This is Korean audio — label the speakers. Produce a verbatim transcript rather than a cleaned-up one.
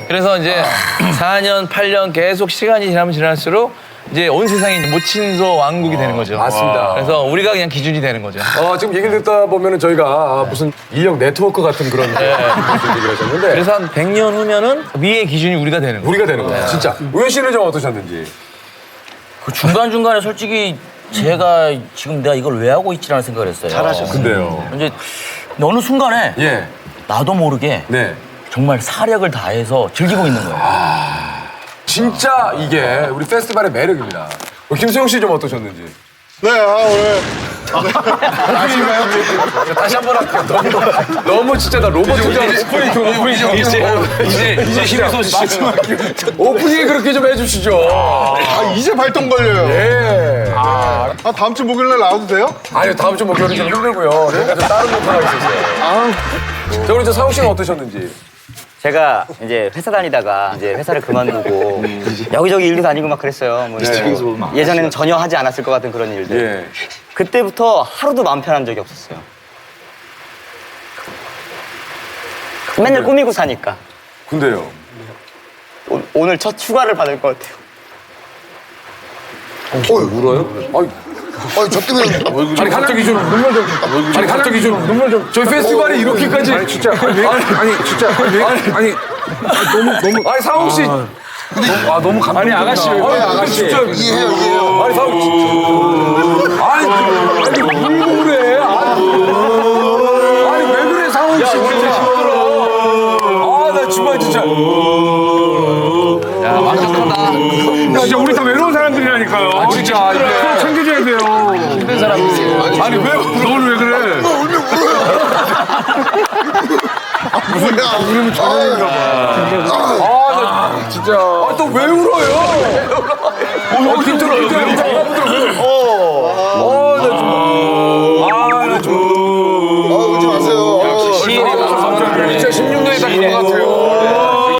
Speaker 1: 그래서 이제 사 년, 팔 년 계속 시간이 지나면 지날수록 이제 온 세상이 모친소 왕국이 되는 거죠.
Speaker 2: 맞습니다.
Speaker 1: 그래서 우리가 그냥 기준이 되는 거죠.
Speaker 2: 어, 지금 얘기를 듣다 보면은 저희가 아, 무슨 인력 네트워크 같은 그런 얘기를 하셨는데
Speaker 1: 그래서 한 백 년 후면은 위의 기준이 우리가 되는 거예요.
Speaker 2: 우리가 되는 거예요. 진짜. 우현 씨는 좀 어떠셨는지?
Speaker 3: 그 중간중간에 솔직히 제가 지금 내가 이걸 왜 하고 있지라는 생각을 했어요.
Speaker 2: 잘하셨어요. 근데요.
Speaker 3: 이제 어느 순간에
Speaker 2: 예.
Speaker 3: 나도 모르게
Speaker 2: 네.
Speaker 3: 정말 사력을 다해서 즐기고 있는 거예요.
Speaker 2: 진짜 이게 우리 페스티벌의 매력입니다. 어, 김수영 씨 좀 어떠셨는지?
Speaker 4: 네, 아, 오늘.
Speaker 2: 다시 한 번 할게요. 너무, 너무 진짜 나 로봇 진짜 오프닝 좀 오프닝 좀
Speaker 1: 이제 이제 이제 힘의 소식.
Speaker 2: 오프닝 그렇게 좀 해주시죠.
Speaker 4: 아, 이제 발동 걸려요.
Speaker 2: 예.
Speaker 4: 아, 다음 주 목요일 날 나와도 돼요?
Speaker 2: 아니요 다음 주 목요일은 좀 힘들고요. 저희가 좀 다른 목표가 있었어요.
Speaker 4: 아,
Speaker 2: 자 우리 저 상욱 씨는 어떠셨는지?
Speaker 5: 제가 이제 회사 다니다가 이제 회사를 그만두고 여기저기 일도 다니고 막 그랬어요. 뭐 예전에는 전혀 하지 않았을 것 같은 그런 일들.
Speaker 2: 예.
Speaker 5: 그때부터 하루도 마음 편한 적이 없었어요. 맨날 꾸미고 사니까.
Speaker 2: 근데요.
Speaker 5: 오, 오늘 첫 휴가를 받을 것 같아요.
Speaker 2: 어, 울어요? 아니,
Speaker 4: 아니, 저 때문에.
Speaker 2: 아니 갑자기 좀 눈물 좀. 아니 갑자기 좀 눈물 좀. 저희 페스티벌이 이렇게까지. 아니 진짜. 아니, 아니 진짜. 아니, 아니 너무 너무. 아니 상욱 씨. 아 너무 감동. 아니 아가씨. 아니 아가씨. 진짜
Speaker 4: 이해해요, 이해해요.
Speaker 2: 아니 상욱 씨. 아니 아니 왜 그래? 아니, 아니 왜 그래 상욱 씨. 진짜 힘들어. 아나 정말 진짜.
Speaker 1: 야, 완벽하다.
Speaker 6: 진짜 우리 다 외로운 사람들이라니까요.
Speaker 2: 아 진짜 이게.
Speaker 6: 챙겨줘야 돼요.
Speaker 1: 힘든 사람들이.
Speaker 2: 아니 왜?
Speaker 6: 너는 왜 그래?
Speaker 4: 울면 울어요. 아, 뭐야. 울면 저런가 봐.
Speaker 2: 아, 나 진짜. 아, 또 왜 울어요? 어, 힘들어, 힘들어.